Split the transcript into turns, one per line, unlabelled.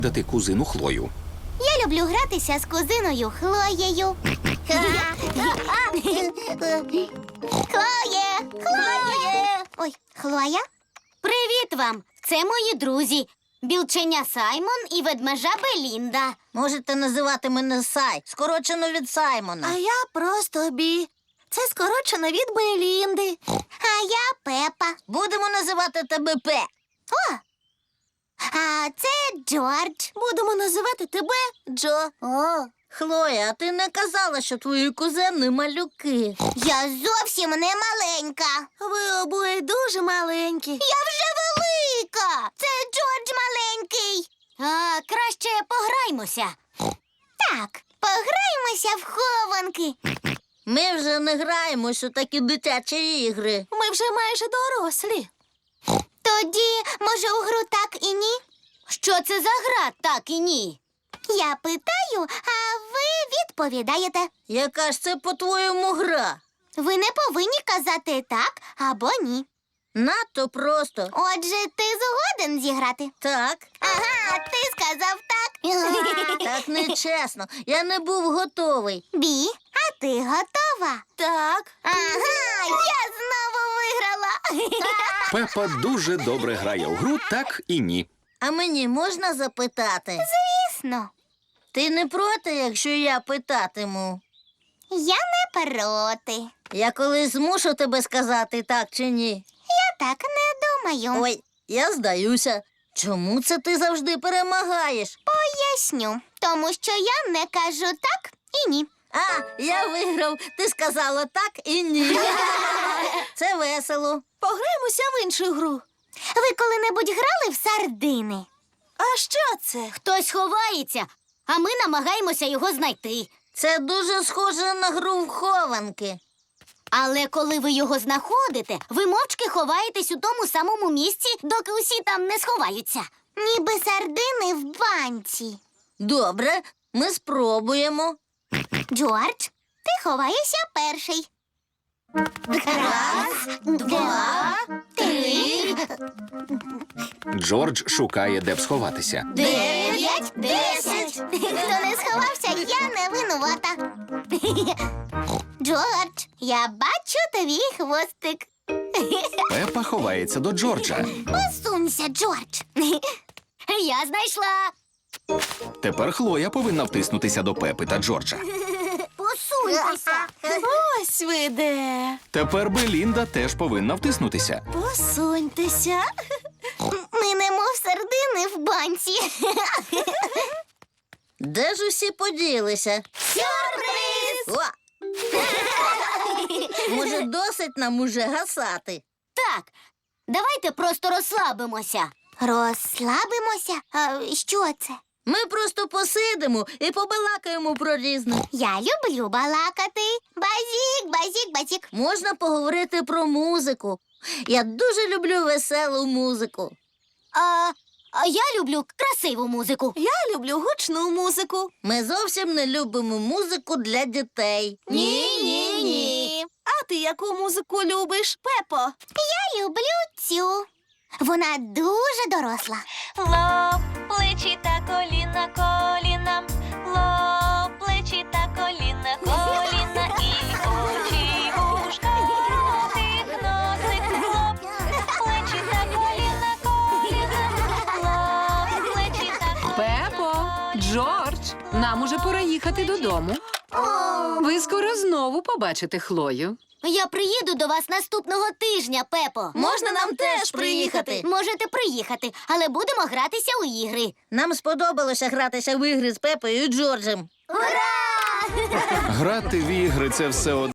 дати кузину Хлою.
Я люблю гратися з кузиною Хлоєю. Хлоє! Хлоє! Ой, Хлоя? Привіт вам! Це мої друзі. Білченя Саймон і ведмежа Белінда.
Можете називати мене Сай, скорочено від Саймона.
А я просто Бі. Це скорочено від Белінди. А я Пепа.
Будемо називати тебе Пе.
О! А це Джордж. Будемо називати тебе Джо.
О, Хлоя, а ти не казала, що твої кузени малюки.
Я зовсім не маленька. Ви обоє дуже маленькі. Я вже велика. Це Джордж маленький. А, краще пограймося. Так, пограймося в хованки.
Ми вже не граємось у такі дитячі ігри.
Ми вже майже дорослі. Тоді, може, у гру так і ні? Що це за гра так і ні? Я питаю, а ви відповідаєте.
Яка ж це, по-твоєму, гра?
Ви не повинні казати так або ні.
Надто просто.
Отже, ти згоден зіграти?
Так.
Ага, ти сказав так.
Так нечесно. Я не був готовий.
Бі, а ти готова? Так. Ага, я знову виграла.
Пепа дуже добре грає у гру «Так і ні».
А мені можна запитати?
Звісно,
Ти не проти, якщо я питатиму?
я не проти.
Я колись змушу тебе сказати так чи ні?
Я так не думаю.
Ой, я здаюся. Чому це ти завжди перемагаєш?
Поясню, тому що я не кажу так і ні.
А, я виграв. Ти сказала так і ні. Це весело.
Пограємося в іншу гру. Ви коли-небудь грали в сардини? А що це? Хтось ховається, а ми намагаємося його знайти.
Це дуже схоже на гру в хованки.
Але коли ви його знаходите, ви мовчки ховаєтесь у тому самому місці, доки усі там не сховаються. Ніби сардини в банці.
Добре, ми спробуємо.
Джордж, ти ховаєшся перший. Раз, два, три,
Джордж шукає, де б сховатися.
9, 10. Хто не сховався, я не винувата. Джордж, я бачу твій хвостик.
Пепа ховається до Джорджа.
Посунься, Джордж. Я знайшла.
Тепер Хлоя повинна втиснутися до Пепи та Джорджа.
Посуньтеся. Ось ви де.
Тепер Белінда теж повинна втиснутися.
Посуньтеся. Ми немов сардини в банці.
Де ж усі поділися?
Сюрприз!
О! Може, досить нам уже гасати?
Так, давайте просто розслабимося. Розслабимося? А що це?
Ми просто посидимо і побалакаємо про різне.
Я люблю балакати. Базік, базік, базік.
Можна поговорити про музику. Я дуже люблю веселу музику.
А я люблю красиву музику. Я люблю гучну музику.
Ми зовсім не любимо музику для дітей.
Ні.
А ти яку музику любиш, Пепо?
Я люблю цю. Вона дуже доросла.
Лоб, плечі та коліна, коліна, лоб, плечі та коліна, коліна і очі, вушка, ротик, носик, лоб, плечі та коліна, коліна, лоб, плечі та коліна.
Пепо, Джордж, нам уже пора їхати додому. Ви скоро знову побачите Хлою.
Я приїду до вас наступного тижня, Пепо.
Можна нам теж приїхати?
Можете приїхати, але будемо гратися у ігри.
Нам сподобалося гратися в ігри з Пепою і Джорджем.
Ура!
Грати в ігри – це все одно.